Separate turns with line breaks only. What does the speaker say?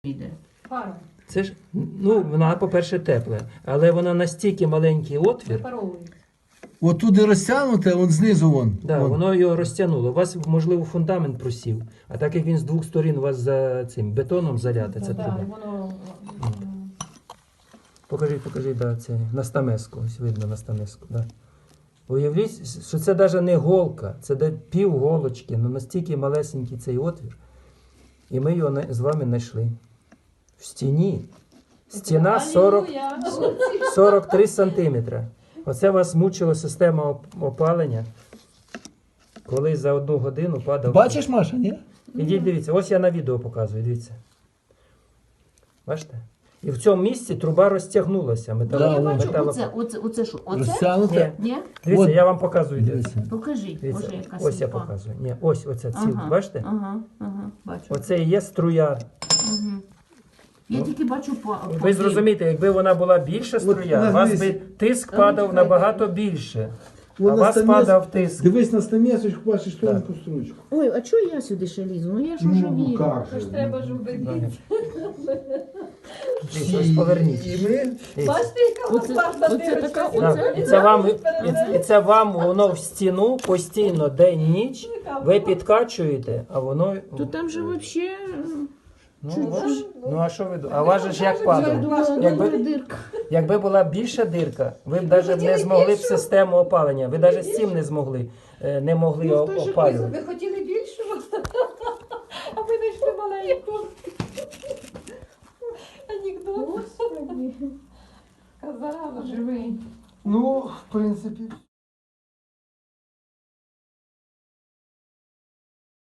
Піде.
Пара.
Це ж, ну, вона, по-перше, тепла, але вона настільки маленький отвір,
Випаровується.
От туди розтягнуте, он знизу вон.
да,
Вон.
воно його розтягнуло. У вас, можливо, фундамент просів, а так як він з двох сторін у вас за цим бетоном залята, ця
Так,
труба.
воно
Покажи, да, це на стамеску, ось видно на стамеску, да. Уявіть, що це навіть не голка, це пів голочки, ну настільки малесенький цей отвір. І ми його з вами знайшли. В стіні. Стіна 43 сантиметри. Оце вас мучила система опалення, коли за 1 годину падав.
Бачиш, Маша, ні?
Ідіть, дивіться, ось я на відео показую, дивіться. Бачите? І в цьому місці труба розтягнулася.
Да,
Я бачу,
метало-
оце що? Оце?
Розтягнуте.
Ні.
Ні?
Дивіться,
От.
я вам показую.
Дивіться.
Покажи,
Дивіться,
може яка
ось я
сліпа.
показую. Ні, ось оця ціл,
Ага,
бачите?
ага, бачу.
Оце і є струя.
Угу. Я тільки бачу
Ви зрозумієте, якби вона була більша струя, у вас би тиск падав набагато більше. А у вас падав тиск.
Дивись на стамесочку, бачиш
Так.
тонку стручку.
Ой, а чого я сюди ще лізу? Ну я ж уже вірю.
как
ж треба ж убедити.
Дивіться, ось поверніть.
І ми...
Дивіться.
Бачите, яка
Оце-
лопата
оце така,
дивиться?
Так, і це вам воно в стіну постійно день-ніч, ви підкачуєте, а воно...
То там же взагалі...
Ну а що ви думаєте? А у вас же ж як падав?
Дирка.
Якби була більша дирка, ви б навіть не змогли б систему опалення. Ви навіть з цим не могли опалювати.
Ви хотіли більшого, а ви знайшли маленьку. Анекдот. Казала, живий.
Ну, в принципі...